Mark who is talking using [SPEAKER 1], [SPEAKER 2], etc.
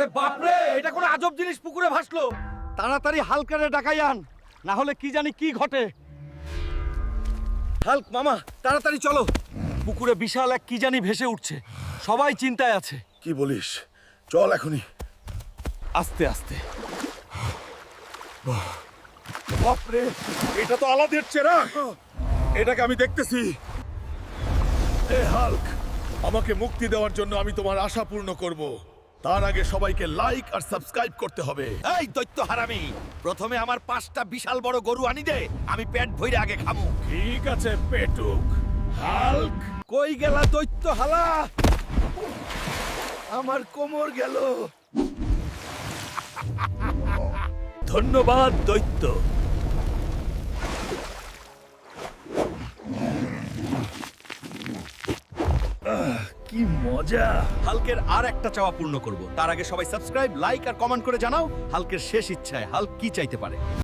[SPEAKER 1] ওরে বাপরে, এটা কোন আজব জিনিস পুকুরে ভাসলো। তাড়াতাড়ি হালকারে ডাকাই আন, না হলে কি জানি কি ঘটে। হাল্ক মামা, তাড়াতাড়ি চলো। পুকুরে বিশাল এক কি জানি ভেসে উঠছে, সবাই চিন্তায় আছে।
[SPEAKER 2] কি বলিস? চল এখনই।
[SPEAKER 1] আস্তে আস্তে।
[SPEAKER 2] বাপরে, এটা তো আলাদের চেরা। এটাকে আমি দেখতেছি। এ হাল্ক, আমাকে মুক্তি দেওয়ার জন্য আমি তোমার আশা পূর্ণ করব। তার আগে সবাইকে লাইক আর সাবস্ক্রাইব করতে হবে।
[SPEAKER 1] এই দৈত্য হারামি, প্রথমে আমার 5টা বিশাল বড় গরু আনি দে, আমি পেট ভরে আগে খাবো।
[SPEAKER 2] ঠিক আছে পেটুক। হাল্ক,
[SPEAKER 1] কই গেলা দৈত্য হালা? আমার কোমর গেল।
[SPEAKER 2] ধন্যবাদ দৈত্য। কি মজা।
[SPEAKER 1] হাল্কের আর একটা চাওয়া পূর্ণ করব, তার আগে সবাই সাবস্ক্রাইব, লাইক আর কমেন্ট করে জানাও হাল্কের শেষ ইচ্ছায় হাল্ক কি চাইতে পারে।